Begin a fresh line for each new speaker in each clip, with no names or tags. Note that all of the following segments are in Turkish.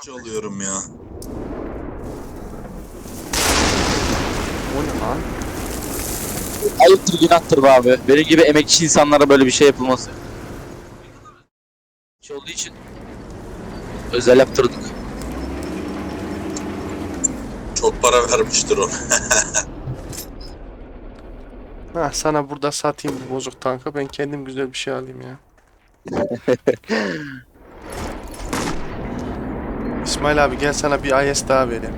Alıyorum ya.
O ne lan?
Ayıptır günahtır be abi. Benim gibi emekçi insanlara böyle bir şey yapılması. Şey olduğu için özel yaptırdık.
Çok para vermiştir o.
Ha, sana burada satayım bu bozuk tankı. Ben kendim güzel bir şey alayım ya. İsmail abi gel sana bir IS daha vereyim.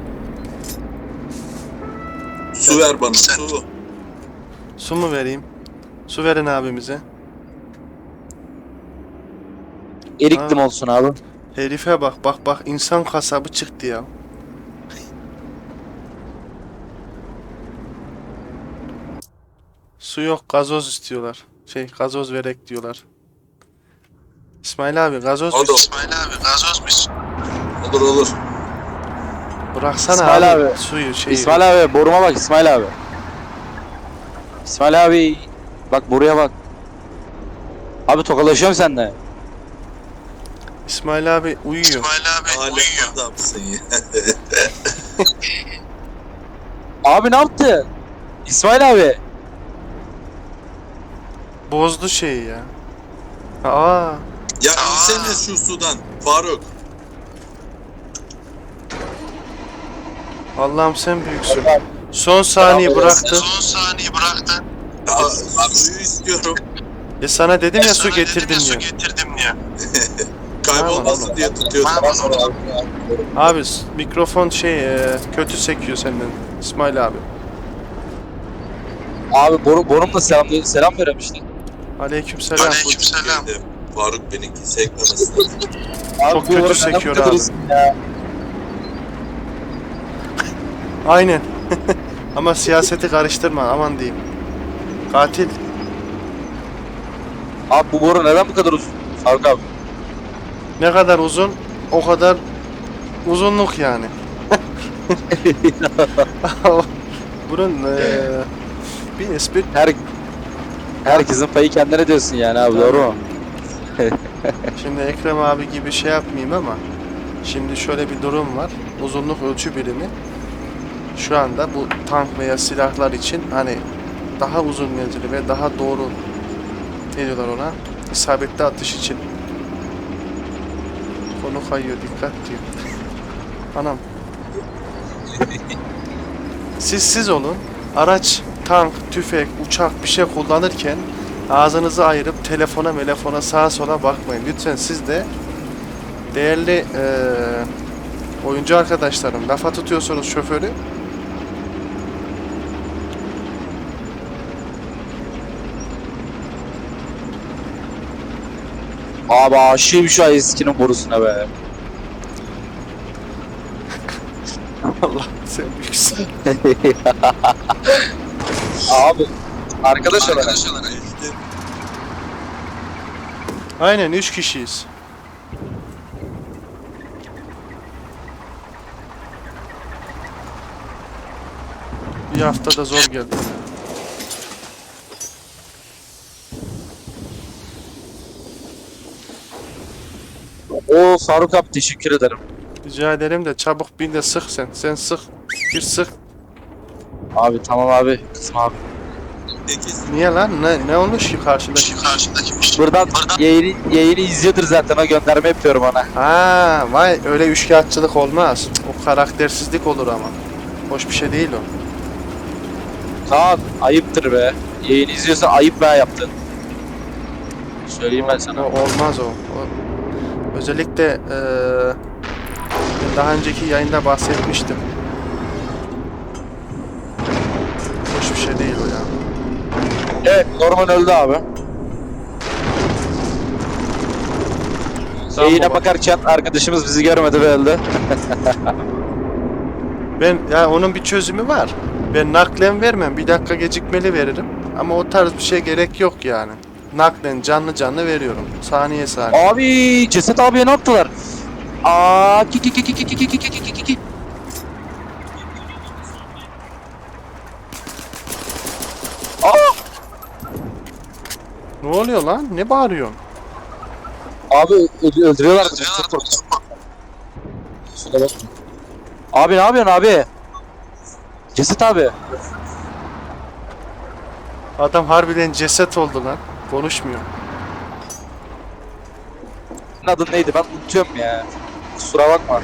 Su ver bana, su.
Su mu vereyim? Su verin abimize.
Eriktim olsun abi.
Herife bak bak bak, insan kasabı çıktı ya. Su yok, gazoz istiyorlar. Gazoz verek diyorlar. İsmail abi gazoz mu?
Hadi.
İsmail abi gazoz mu?
Olur olur.
Bıraksana
İsmail
abi,
abi.
suyu
İsmail abi boruma bak İsmail abi. İsmail abi bak buraya bak. Abi tokalaşıyorum seninle.
İsmail abi uyuyor.
Hala adamsın ya.
Abi ne yaptı? İsmail abi.
Bozdu şeyi ya. Aa,
Ya insene şu sudan Faruk.
Allah'ım sen büyüksün. Son saniye bıraktı.
Ya, suyu istiyorum.
Sana dedim ya su getirdim ya.
Kaybolmasın diye tutuyorum.
Abi mikrofon kötü sekiyor senden İsmail abi.
Abi borumla selam veremişti.
Aleykümselam.
Dedim, Faruk benimki sekmemesi lazım.
Abi
Çok
bu
kötü
boru neden
sekiyor
bu kadar
abi.
uzun ya?
Aynen. Ama siyaseti karıştırma, aman diyeyim. Katil.
Abi bu boru neden bu kadar uzun? Faruk abi.
Ne kadar uzun, o kadar uzunluk yani. Bunun bir espri.
Herkesin payı kendine diyorsun yani abi, doğru mu?
Şimdi Ekrem abi gibi şey yapmayayım ama şimdi şöyle bir durum var. Uzunluk ölçü birimi şu anda bu tank veya silahlar için hani daha uzun menzili ve daha doğru, ne diyorlar ona, isabetli atış için. Konu kayıyor, dikkat diyor. Anam. Siz olun. Araç, tank, tüfek, uçak bir şey kullanırken ağzınızı ayırıp telefona sağa sola bakmayın. Lütfen siz de değerli oyuncu arkadaşlarım, lafa tutuyorsunuz şoförü.
Abi aşığım şu eskinin borusuna be.
Allah sen büyüksün.
Abi arkadaş olarak.
İşte
Aynen 3 kişiyiz. Bir haftada zor geldi.
O Faruk abi teşekkür ederim.
Rica ederim de çabuk bin de sık sen. Sen sık. Bir sık.
Abi tamam abi. Kızma abi.
peki
Niye lan? Ne olmuş ki karşıdaki?
Buradan yayını izliyordur zaten, o gönderme yapıyorum ona.
Ha, vay öyle üçkağıtçılık olmaz. Cık, o karaktersizlik olur ama. Hoş bir şey değil o.
Kaan ayıptır be. Yayını izliyorsa ayıp be yaptın. Söyleyeyim ben
O
sana.
olmaz o. Özellikle ben daha önceki yayında bahsetmiştim. Hoş bir şey değil o ya.
Evet, Norman öldü abi.
Tamam
Yayına
baba.
bakarken arkadaşımız bizi görmedi ve öldü.
Onun bir çözümü var. Ben naklen vermem. Bir dakika gecikmeli veririm. Ama o tarz bir şey gerek yok yani. Naklen canlı veriyorum. Saniye saniye.
Abi Ceset abiye ne yaptılar? Aa ki. Aa!
Ne oluyor lan? Ne bağırıyorsun?
Abi öldürüyorlar bizi. Çok korktum. Kusura bakma. Abi ne yapıyorsun abi? Cesit abi.
Adam harbiden ceset oldu lan. Konuşmuyor.
Senin adın neydi? Ben unutuyorum ya. Kusura bakma.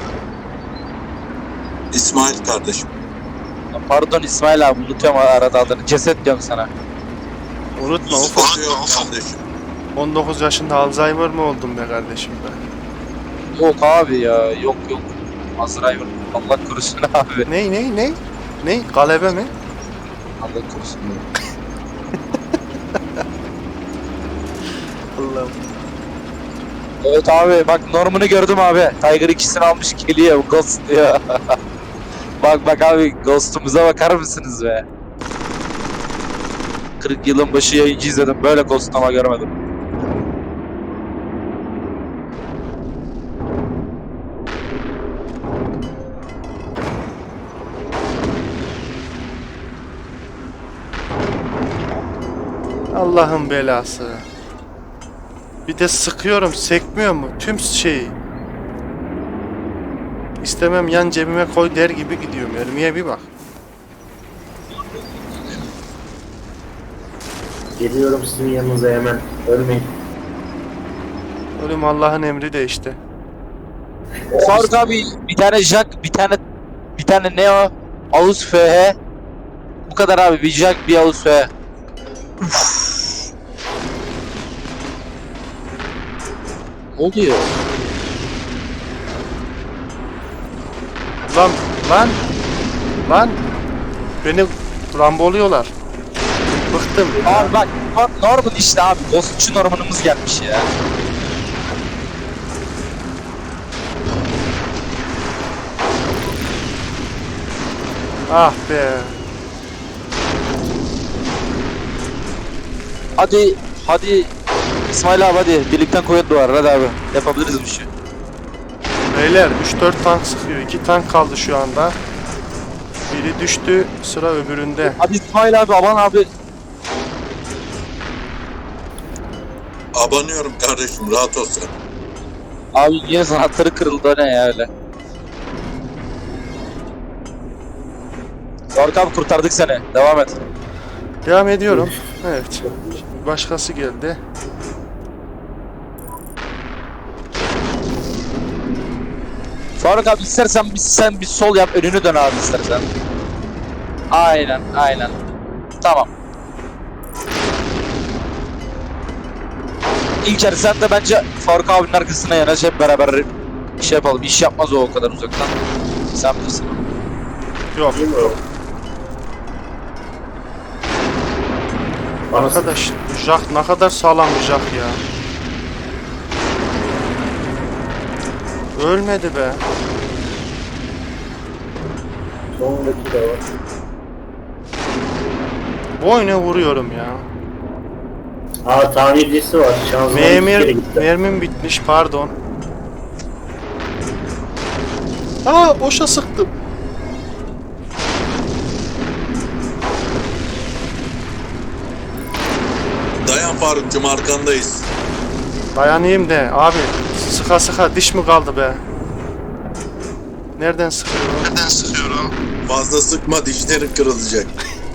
İsmail kardeşim.
Pardon İsmail abi, unutuyorum arada adını. Ceset diyorum sana.
Unutma ufak.
Sıkıntı yok kardeşim.
19 yaşında Alzheimer mı oldun be kardeşim be?
Yok abi ya, yok. Azrail, Allah korusun abi.
Ney? Galebe mi?
Allah korusun.
Allah'ım.
Evet abi, bak Norman'ı gördüm abi. Tiger ikisini almış geliyor, Ghost diyor. bak abi, Ghost'umuza bakar mısınız be? 40 yılın başı yayıncı izledim, böyle Ghost'lama görmedim.
Allah'ın belası. Bir de sıkıyorum, sekmiyor mu? Tüm şeyi. İstemem yan cebime koy der gibi gidiyorum. Mermiye bir bak.
Geliyorum sizin yanınıza hemen. Ölmeyin.
Ölüm Allah'ın emri de işte.
Faruk abi, bir tane Jack, bir tane ne o? Ağuz FH. Bu kadar abi, bir Jack, bir Ağuz FH. Ne oluyor?
Lan. Beni ramboluyorlar. Bıktım.
Abi bak, Norman işte abi, Ghostçu Norman'ımız gelmiş ya.
Ah be.
Hadi İsmail abi, hadi birlikten koyun duvar, hadi abi yapabiliriz bu işi.
Beyler 3-4 tank sıkıyor. 2 tank kaldı şu anda. Biri düştü, sıra öbüründe.
Hadi İsmail abi, aman abi.
Abanıyorum kardeşim, rahat ol sen.
Abi yine sanatları kırıldı, o ne ya öyle. Faruk abi, kurtardık seni, devam et.
Devam ediyorum. Evet. Başkası geldi.
Faruk abi, istersen sen bir sol yap, önünü dön abi istersen. Aynen. Tamam. İlker sen de bence Faruk abinin arkasına yanaş, hep beraber şey yapalım. İş yapmaz o kadar uzaktan. Sen bilirsin.
Yok.
Değil mi o? Bana
Arkadaş, Jack ne kadar sağlam bir Jack ya. Ölmedi be.
sonundaki de var.
Boyuna vuruyorum ya.
Aa, tamircisi var. Şanzıman iki kere gitti.
Mermim bitmiş, pardon. Aa, boşa sıktım.
Dayan Faruk'cum, arkandayız.
Dayanayım de abi, sıka diş mi kaldı be? Nereden sıkıyorum?
Fazla sıkma, dişlerin kırılacak.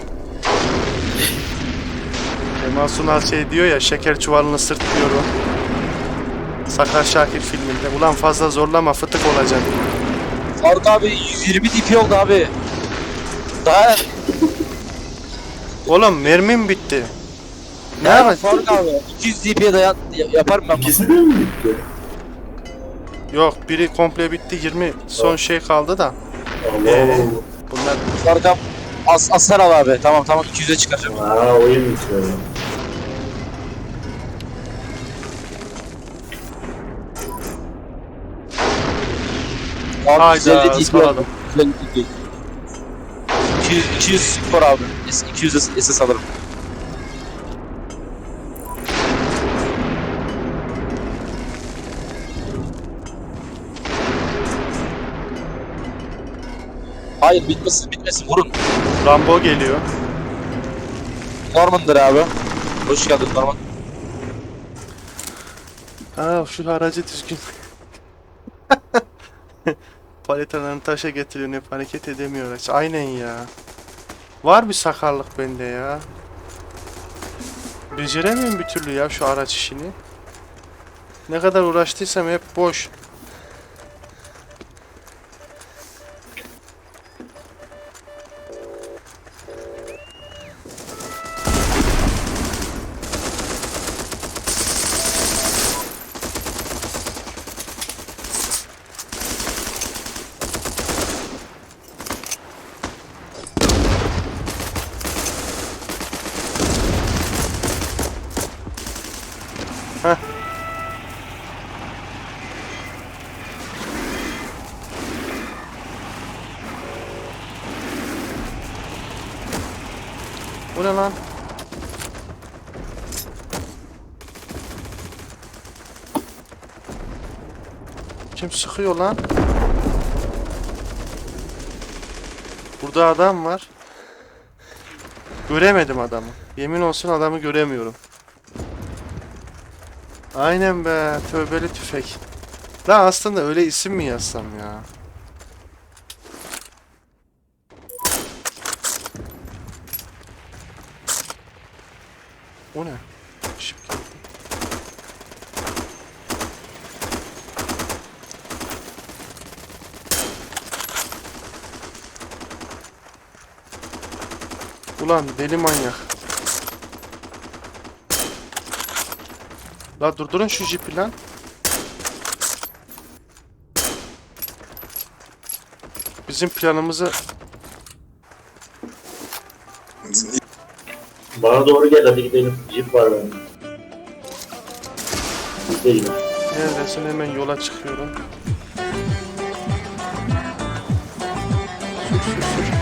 Kemal Sunal şey diyor ya, şeker çuvalını sırtlıyorum. Sakar Şakir filminde. Ulan fazla zorlama, fıtık olacak.
Faruk abi 120 DP oldu abi. Daha
Oğlum mermim bitti. Ne
yani
yapayım?
Faruk abi 200 DP'ye yaparım ben bunu.
İkisi de mi bitti?
Yok, biri komple bitti, 20 son şey kaldı da.
Allah
Bunlar
Faruk abi aslan al abi. Tamam 200'e çıkaracağım.
Allah. Aa, oyun bitiyor.
Abi
Hayda,
150 DP
ıskaladım.
oldu. 150 DP. 200 spor abi. 200 SS alırım. Hayır, bitmesin vurun.
Rambo geliyor.
Norman'dır abi. Hoş geldin Norman.
Aa, şu aracı düzgün. Paletalarını taşa getiriyor, hep hareket edemiyor. Aynen ya. Var bir sakarlık bende ya. Beceremiyorum bir türlü ya şu araç işini. Ne kadar uğraştıysam hep boş. Heh. Bu ne lan? Kim sıkıyor lan? Burada adam var. Göremedim adamı. Yemin olsun adamı göremiyorum. Aynen be, tövbeli tüfek. Lan aslında öyle isim mi yazsam ya? O ne? Işık geldi. Ulan deli manyak. La durdurun şu jipi lan. Bizim planımızı...
Bana doğru gel hadi gidelim. Jeep var bende. Biz de gidelim.
Neredesin? Hemen yola çıkıyorum. Sür sür sür.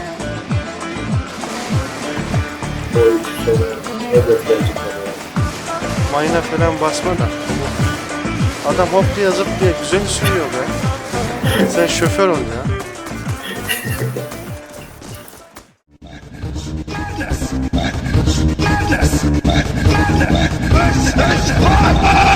O üç sonra ne gösterecek bana.
Mayına falan basma da. Adam hop diye zıp diye güzel sürüyor be. Sen şoför ol ya.
Let's